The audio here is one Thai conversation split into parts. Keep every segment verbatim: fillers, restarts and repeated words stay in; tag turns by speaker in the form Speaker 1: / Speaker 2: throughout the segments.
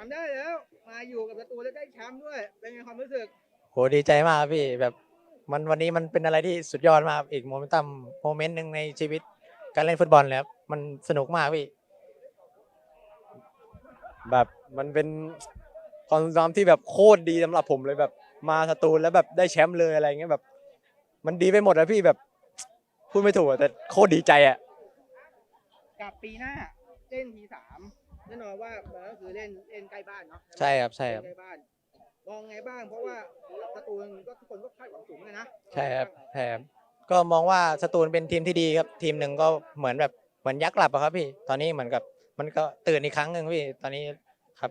Speaker 1: ำได้แล้วมาอยู่กับประตูแล้วได้แชมป์ด้วยเป็นไงความรู้สึก
Speaker 2: โหดีใจมากครับพี่แบบมันวันนี้มันเป็นอะไรที่สุดยอดมากครับอีกโมเมนตัมโมเมนต์หนึ่งในชีวิตการเล่นฟุตบอลเลยครับมันสนุกมากพี่
Speaker 3: แบบมันเป็นความทรงจำที่แบบโคตรดีสำหรับผมเลยแบบมาสตูลแล้วแบบได้แชมป์เลยอะไรเงี้ยแบบมันดีไปหมดอะพี่แบบพูดไม่ถูกอะแต่โคตรดีใจอะ
Speaker 1: กับปีหน้าเล่นทีสามแน่นอนว่ามันก็คือเล่นเล่นใกล้บ้านเนาะ
Speaker 2: ใช่ครับใช่ครับ
Speaker 1: ใกล้บ้านมองไงบ้างเพราะว่าประตูก็ทุกคนก็คาดหวังสูงเลยนะ
Speaker 2: ใช่ครับใช่ครับก็มองว่าสตูลเป็นทีมที่ดีครับทีมหนึ่งก็เหมือนแบบเหมือนยักษ์หลับอะครับพี่ตอนนี้เหมือนกับมันก็ตื่นอีกครั้งหนึ่งพี่ตอนนี้ครับ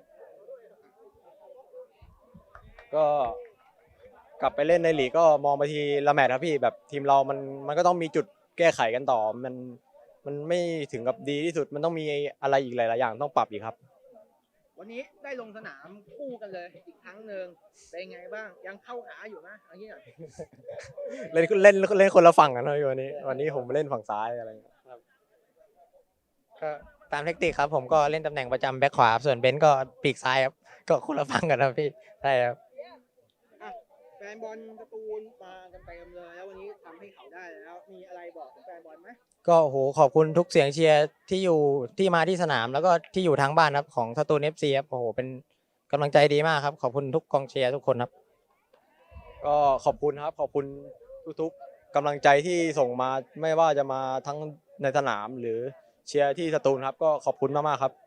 Speaker 3: ก็กลับไปเล่นในลีกก็มองไปทีละแมตช์ครับพี่แบบทีมเรามันมันก็ต้องมีจุดแก้ไขกันต่อมันมันไม่ถึงกับดีที่สุดมันต้องมีอะไรอีกหลายๆอย่างต้องปรับอีกครับ
Speaker 1: วันนี้ได้ลงสนามคู่กันเลยอีกครั้งหนึ่งเป็นไงบ้างยังเข้าขาอยู่นะเอันนี้หน่อย
Speaker 3: เล่นเล่นเล่นคนละฝั่งกันเลยวันนี้วันนี้ผมเล่นฝั่งซ้ายอะไรเงี้ยครับ
Speaker 2: ก็ตามเทคนิคครับผมก็เล่นตำแหน่งประจำแบ็คขวาส่วนเบนซ์ก็ปีกซ้ายครับก็คนละฝั่งกันครับพี่ใช่ครับ
Speaker 1: อ่ะแฟนบอลการ์ตูนมากันเต็มเลยแล้ววันนี้ทำให้เขาได้แล้วมีอะไรบอกถึงแฟนบอลไหม
Speaker 2: ก็โหขอบคุณทุกเสียงเชียร์ที่อยู่ที่มาที่สนามแล้วก็ที่อยู่ทางบ้านครับของสตูลเอฟซีครับโอ้โหเป็นกำลังใจดีมากครับขอบคุณทุกกองเชียร์ทุกคนครับ
Speaker 3: ก็ขอบคุณครับขอบคุณทุกๆกำลังใจที่ส่งมาไม่ว่าจะมาทั้งในสนามหรือเชียร์ที่สตูลครับก็ขอบคุณมากๆครับ